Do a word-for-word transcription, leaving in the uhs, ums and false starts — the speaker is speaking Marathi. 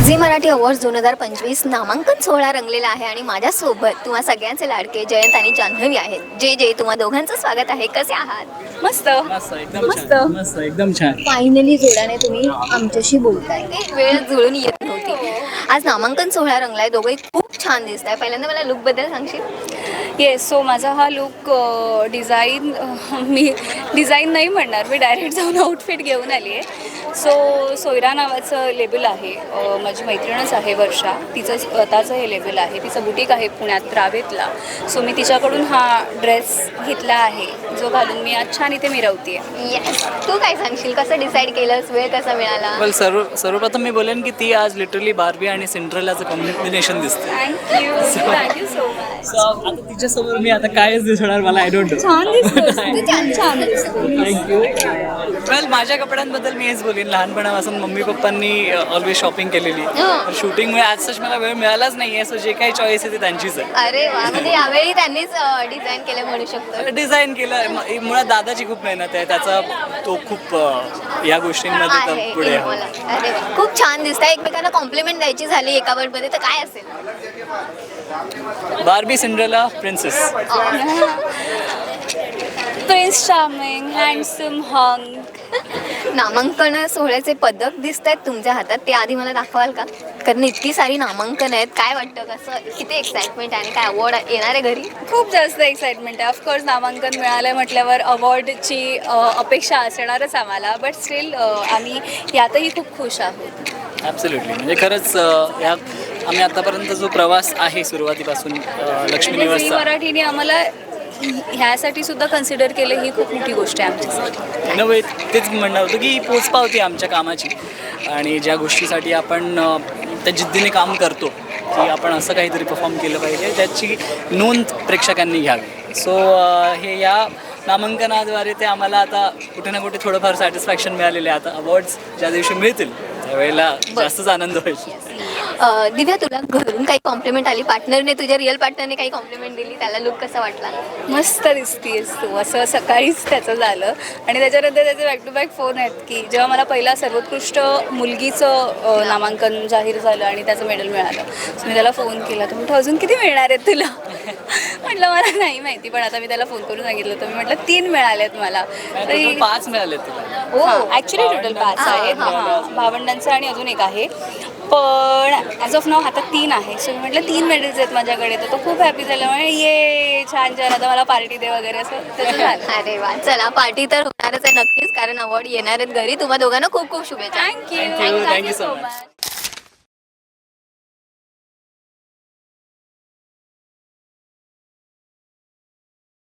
झी मराठी अवॉर्ड्स दोन हजार पंचवीस नामांकन सोहळा रंगलेला आहे आणि माझ्यासोबत तुम्हा सगळ्यांचे लाडके जयंत आणि जान्हवी आहेत. जे जे तुम्हा दोघांचं स्वागत आहे. कसे आहात? मस्त मस्त एकदम मस्त छान मस्त एकदम छान. फायनली जोड्याने तुम्ही आमच्याशी बोलताय. एक वेळ जुळून येत नव्हती. आज नामांकन सोहळा रंगलाय. दोघंही खूप छान दिसत आहे. पहिल्यांदा मला लुकबद्दल सांगशील? येस. सो माझा हा लुक डिझाईन मी डिझाईन नाही म्हणणार, मी डायरेक्ट जाऊन आउटफिट घेऊन आली आहे. सो सोयरा नावाचं लेबल आहे, अ, माझी मैत्रीणच आहे वर्षा, तिचं स्वतःचं हे लेबल आहे, तिचं बुटीक आहे पुण्यात रावेतला. सो मी तिच्याकडून हा ड्रेस घेतला आहे जो घालून मी आज छान इथे मिरवते. येस. तू काय सांगशील? कसं डिसाईड केलंस? वेळ कसा मिळाला? वेल सर्व सर्वप्रथम मी बोलेन की ती आज लिटरली बार्बी आणि सिंड्रेलाचं कॉम्बिनेशन दिसते. Thank you thank you so much. So आता तिच्यासमोर मी आता कायच दिसणार मला आय डोंट नो. छान दिसतोस तू, छान छान दिसतो. थँक्यू. वेल माझ्या कपड्यांबद्दल मी हेच बोलेन, लहानपणापासून मम्मी पप्पांनी ऑलवेज शॉपिंग केलेली. हं. शूटिंगमुळे आज सच मला वेळ मिळालाच नाही आहे. सो जे काही चॉईस आहे ते त्यांचीच आहे. अरे वा, म्हणजे यावेळी त्यांनीच डिझाईन केलं म्हणू शकतो. डिझाईन केलं. म- मुळात दादाची खूप मेहनत आहे, त्याचा तो खूप अ, या गोष्टींमध्ये आहे तर पुढे आहे. मला. अरे वा, खूप छान दिसतंय. एकमेकांना कॉम्प्लिमेंट द्यायची झाली एका वर्डमध्ये तर काय असेल? Barbie Cinderella princess. Prince charming, handsome, हंग. नामांकन सोहळ्याचे पदक दिसत आहेत तुमच्या हातात, ते आधी मला दाखवाल का? कारण इतकी सारी नामांकन आहेत. काय वाटतं, कसं, किती एक्साइटमेंट आहे आणि काय अवॉर्ड येणार आहे घरी? खूप जास्त एक्साइटमेंट आहे. ऑफकोर्स नामांकन मिळालं म्हटल्यावर अवॉर्डची अपेक्षा असणारच आम्हाला, बट स्टील आम्ही यातही खूप खुश आहोत. ॲब्सोल्युटली. म्हणजे खरंच अ, या आम्ही आतापर्यंत जो प्रवास आहे सुरुवातीपासून अ, लक्ष्मी म्हणजे झी निवासचा मराठीने आम्हाला ह्यासाठी सुद्धा कन्सिडर केलं, ही खूप मोठी गोष्ट आहे आमच्यासाठी. इन वे तेच म्हणणं होतं की पोचपावती आमच्या कामाची आणि ज्या गोष्टीसाठी आपण अ, त्या जिद्दीने काम करतो की आपण असं काहीतरी परफॉर्म केलं पाहिजे, त्याची नोंद प्रेक्षकांनी घ्यावी. सो हे या नामांकनाद्वारे ते आम्हाला आता कुठे ना कुठे थोडंफार सॅटिस्फॅक्शन मिळालेलं आहे. आता अवॉर्ड्स ज्या दिवशी मिळतील त्यावेळेला जास्तच आनंद होईल. अ, दिव्या, तुला घरून काही कॉम्प्लिमेंट आली? पार्टनरने, तुझ्या रिअल पार्टनरने काही कॉम्प्लिमेंट दिली? त्याला लुक कसा वाटला? मस्त दिसतीयस तू, असं सकाळीच त्याचं झालं. आणि त्याच्यानंतर त्याचे बॅक टू बॅक फोन आहेत की जेव्हा मला पहिला सर्वोत्कृष्ट मुलगीचं अ, नामांकन जाहीर झालं आणि त्याचं मेडल मिळालं, सो मी त्याला फोन केला. तर म्हटलं अजून किती मिळणार आहेत तुला? म्हटलं मला नाही माहिती, पण आता मी त्याला फोन करून सांगितलं. तर मी म्हटलं तीन मिळालेत मला. टोटल पाच मिळाले तुला. हो, ॲक्च्युली टोटल पाच आहेत. हां, हां, भावंडांचं आणि अजून एक आहे, पण ॲज ऑफ नाव आता तीन आहे. सो मी म्हटलं तीन मेडल्स आहेत माझ्याकडे. तर तो खूप हॅपी झाला. म्हणजे ये छान छान, आता मला पार्टी दे वगैरे, असं त्याचं झालं. अरे वा, चला, पार्टी तर होणारच आहे नक्कीच, कारण अवॉर्ड येणार आहेत घरी. तुम्हा दोघांना खूप खूप शुभेच्छा. Thank you Thank you, thank you so so much. Much.